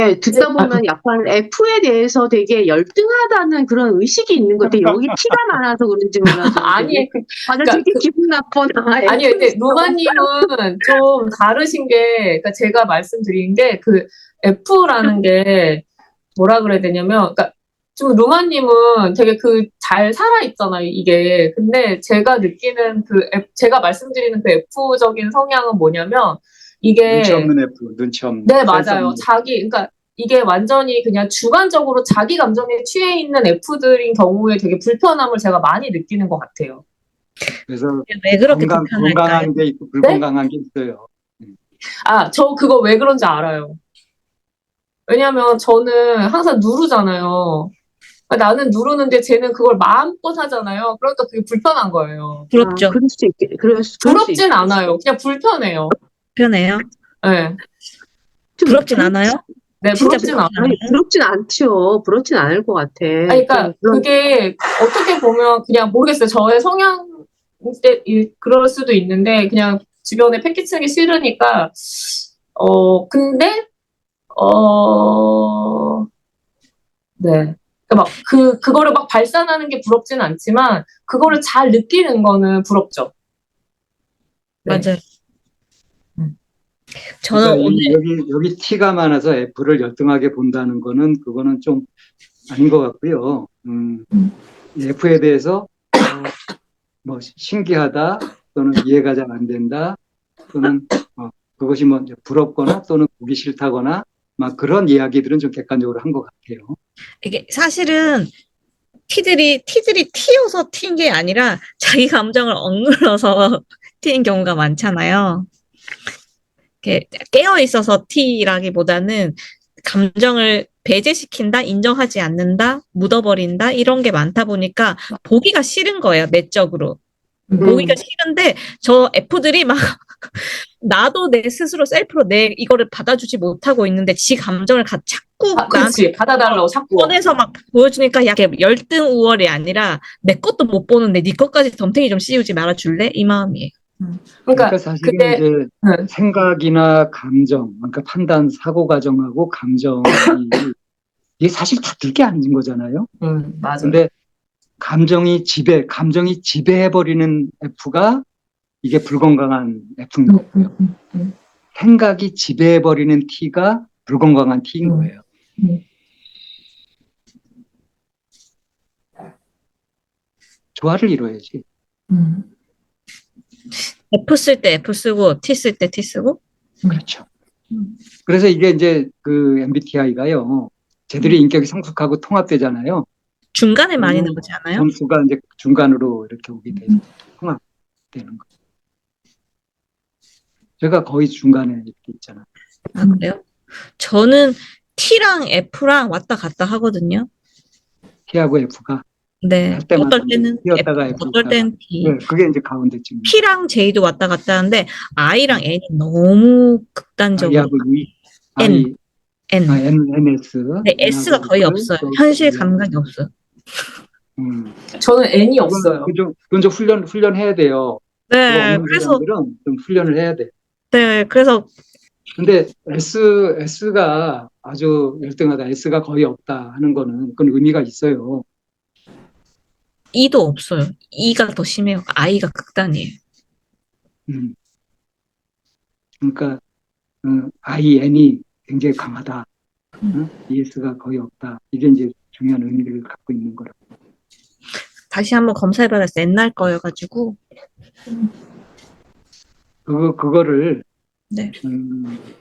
네, 듣다 보면 약간 F에 대해서 되게 열등하다는 그런 의식이 있는 것 같아요. 여기 T가 많아서 그런지 몰라도. 아니, 맞아, 그러니까 되게 기분 나쁘다. 아니, 근데 루마님은 좀 다르신 게, 그러니까 제가 말씀드린 게 그 F라는 게 뭐라 그래야 되냐면, 그러니까 좀 루마님은 되게 그 잘 살아있잖아요, 이게. 근데 제가 느끼는 제가 말씀드리는 그 F적인 성향은 뭐냐면, 눈치 이게, 없는 F, 눈치 없는. 네, 센스 맞아요. 없는 그러니까 이게 완전히 그냥 주관적으로 자기 감정에 취해 있는 F들인 경우에 되게 불편함을 제가 많이 느끼는 것 같아요. 그래서 왜 그렇게 불편할까요? 건강한 게 있고 불건강한 게 있어요. 저 그거 왜 그런지 알아요. 왜냐면 저는 항상 누르잖아요. 나는 누르는데 쟤는 그걸 마음껏 하잖아요. 그러니까 그게 불편한 거예요. 부럽죠? 그럴 수 있겠, 부럽진 않아요. 그냥 불편해요. 편해요? 네. 부럽진 않아요? 네, 진짜 부럽진 부럽진 않아요. 아니, 부럽진 않죠. 부럽진 않을 것 같아. 그러니까 그게 어떻게 보면 그냥 모르겠어요. 저의 성향 때 그럴 수도 있는데 그냥 주변에 패키치기 싫으니까 근데 네. 그러니까 막 그거를 막 발산하는 게 부럽지는 않지만 그거를 잘 느끼는 거는 부럽죠. 네. 맞아요. 저는 그러니까 오늘 여기 T가 많아서 F를 열등하게 본다는 거는 그거는 좀 아닌 것 같고요. F에 대해서 뭐 신기하다 또는 이해가 잘 안 된다 또는 그것이 뭐 이제 부럽거나 또는 보기 싫다거나 막 그런 이야기들은 좀 객관적으로 한 것 같아요. 이게 사실은 T들이 T여서 T인 게 아니라 자기 감정을 억눌러서 T인 경우가 많잖아요. 이렇게 깨어 있어서 T라기보다는 감정을 배제시킨다, 인정하지 않는다, 묻어버린다 이런 게 많다 보니까 보기가 싫은 거예요, 내적으로. 보기가 싫은데 저 F들이 막 나도 내 스스로 셀프로 내 이거를 받아주지 못하고 있는데 지 감정을 자꾸 나한테 그렇지. 받아달라고 자꾸. 꺼내서 막 보여주니까 약간 열등 우월이 아니라 내 것도 못 보는데 네 것까지 덤탱이 좀 씌우지 말아줄래? 이 마음이에요. 그러니까 사실은 이제 생각이나 감정, 그러니까 판단, 사고 과정하고 감정이 이게 사실 다를 게 아닌 거잖아요. 맞아요. 근데 감정이 지배해버리는 F가 이게 불건강한 F인 거고요. 생각이 지배해버리는 T가 불건강한 T인 거예요. 조화를 이뤄야지. F 쓸 때 F 쓰고 T 쓸 때 T 쓰고. 그렇죠. 그래서 이게 이제 그 MBTI가요. 쟤들이 인격이 성숙하고 통합되잖아요. 중간에 많이 나오지 않아요? 점수가 이제 중간으로 이렇게 오게 돼서 통합되는 거. 제가 거의 중간에 이렇게 있잖아요. 아, 그래요? 저는 T랑 F랑 왔다 갔다 하거든요. T하고 F가 네. 할 때마다 어떨 때는 T였다가 F, F였다가. 어떨 때는 T. 네, 그게 이제 가운데쯤. P랑 J도 왔다 갔다 하는데 I랑 N이 너무 극단적으로. I하고 E, N. NS. 네, S가 거의 없어요. 현실 감각이 없어요. 저는 N이 없어요. 그건 좀 훈련해야 돼요. 네, 없는 사람들은 좀 훈련을 해야 돼. 네, 그래서 근데 S가 아주 열등하다, S가 거의 없다 하는 거는 그건 의미가 있어요. E도 없어요. E가 더 심해요. I가 극단이에요. 그러니까 IN이 굉장히 강하다. ES가 거의 없다. 이게 이제 중요한 의미를 갖고 있는 거라고. 다시 한번 검사해봐야겠어요. 옛날 거여가지고. 그거를 네.